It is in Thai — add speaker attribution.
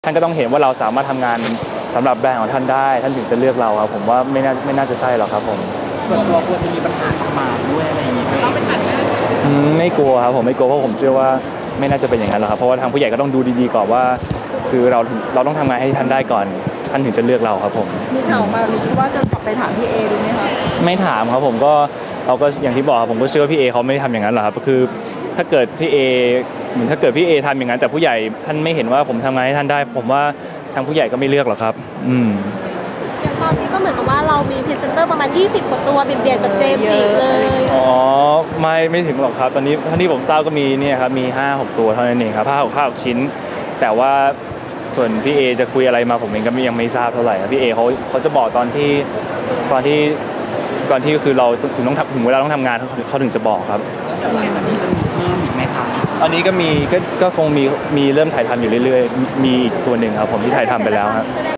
Speaker 1: ท่านก็ต้องเห็นว่าเราสามารถทำงานสำหรับแบรนด์ของท่านได้ท่านถึงจะเลือกเราครับผมว่าไม่น่าจะใช่หรอกครับผม
Speaker 2: ส่วนตัวควรจะมีปัญหากับหมากด้วยอะไรอย่างเงี้ย
Speaker 1: ไม่กลัวครับผมไม่กลัวเพราะผมเชื่อว่าไม่น่าจะเป็นอย่างนั้นหรอกครับเพราะว่าทางผู้ใหญ่ก็ต้องดูดีๆก่อนว่าคือเราต้องทำงานให้ท่านได้ก่อนท่านถึงจะเลือกเราครับผม
Speaker 3: มีข่าวมาหรือว่าจะกลับไปถามพี่เอดูไหมคะ
Speaker 1: ไม่ถามครับผมก็เราก็อย่างที่บอกครับผมก็เชื่อว่าพี่เอเขาไม่ได้ทำอย่างนั้นหรอกครับคือถ้าเกิดพี่เอเหมือนถ้าเกิดพี่เอทำอย่างนั้นแต่ผู้ใหญ่ท่านไม่เห็นว่าผมทำงานให้ท่านได้ผมว่าทางผู้ใหญ่ก็ไม่เลือกหรอกครับ
Speaker 4: อย่างตอนนี้ก็เหมือนกับว่าเรามีพรีเซนเตอร์ประมาณ20กว่าตัวเบียดกับเจมส์จิเลย
Speaker 1: อ๋อไม่ถึงหรอกครับตอนนี้เท่าที่ผมทราบก็มีเนี่ยครับมี 5-6 ตัวเท่านั้นเองครับ5-6ชิ้นแต่ว่าส่วนพี่เอจะคุยอะไรมาผมเองก็ยังไม่ทราบเท่าไหร่ครับพี่เอเขาจะบอกตอนที่คือเราถึงเวลาต้องทำงานเขาถึงจะบอกครับ
Speaker 2: แล้วหลังจากนี้จะมีเพิ่มอีกไหมครับ
Speaker 1: ตอนนี้ก็คงมีเริ่มถ่ายทำอยู่เรื่อยๆมีอีกตัวหนึ่งครับผมที่ถ่ายทำไปแล้วครับ